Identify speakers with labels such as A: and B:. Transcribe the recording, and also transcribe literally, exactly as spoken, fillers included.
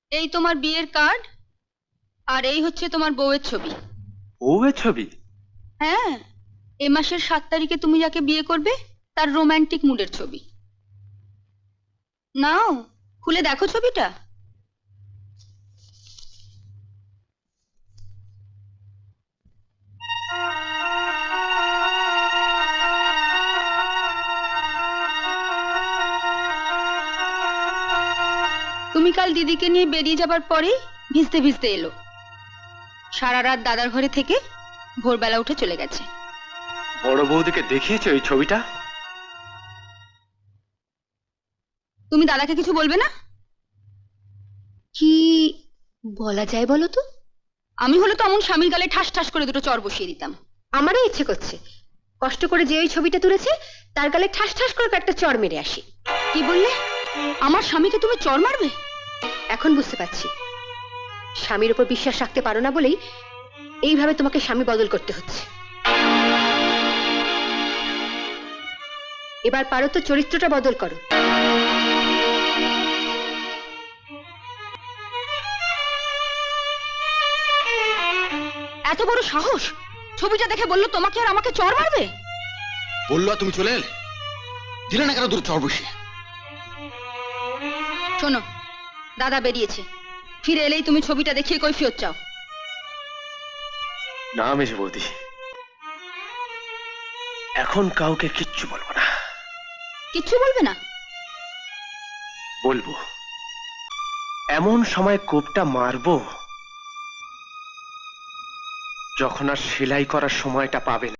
A: এই তোমার বিয়ের কার্ড, আর এই হচ্ছে তোমার বউয়ের ছবি।
B: বউয়ের ছবি?
A: হ্যাঁ, এ মাসের সাত তারিখে তুমি যাকে বিয়ে করবে তার রোমান্টিক মুডের ছবি। নাও, খুলে দেখো ছবিটা। তুমি কাল দিদিকে নিয়ে বেরিয়ে যাবার পরেই ভিজতে ভিজতে এলো। সারা রাত দাদার ঘরে থেকে ভোরবেলা উঠে চলে গেছে।
B: বড় বৌদিকে দেখিয়েছে ওই ছবিটা?
A: তুমি দাদাকে কিছু বলবে না?
C: কি বলা যায় বলো তো?
A: আমি হলে তো এমন স্বামীর গালে ঠাস ঠাস করে দুটো চড় বসিয়ে দিতাম।
C: আমারও ইচ্ছে করছে কষ্ট করে যে ওই ছবিটা তুলেছে তার গালে ঠাস ঠাস করে একটা চড় মেরে আসি।
A: কি বললে? আমার স্বামীকে তুমি চড় মারবে?
C: এখন বুঝতে পারছি স্বামীর উপর বিশ্বাস রাখতে পারো না বলেই এইভাবে তোমাকে স্বামী বদল করতে হচ্ছে। এবার পারো তো চরিত্রটা বদল করো।
A: এত বড় সাহস! ছবিটা দেখে বললো তোমাকে আর আমাকে চড় মারবে।
D: বললো তুমি চলে এলে, দিলে না কেন দূর চড় বসিয়ে?
A: শোনো, দাদা বেরিয়েছে, ফিরে এলেই তুমি ছবিটা দেখিয়ে কৈফিয়ত চাও।
B: না মেজ বৌদি, এখন কাউকে কিচ্ছু বলবো না।
A: কিচ্ছু বলবে না?
B: বলবো, এমন সময় কোপটা মারবো যখন আর সেলাই করার সময়টা পাবে না।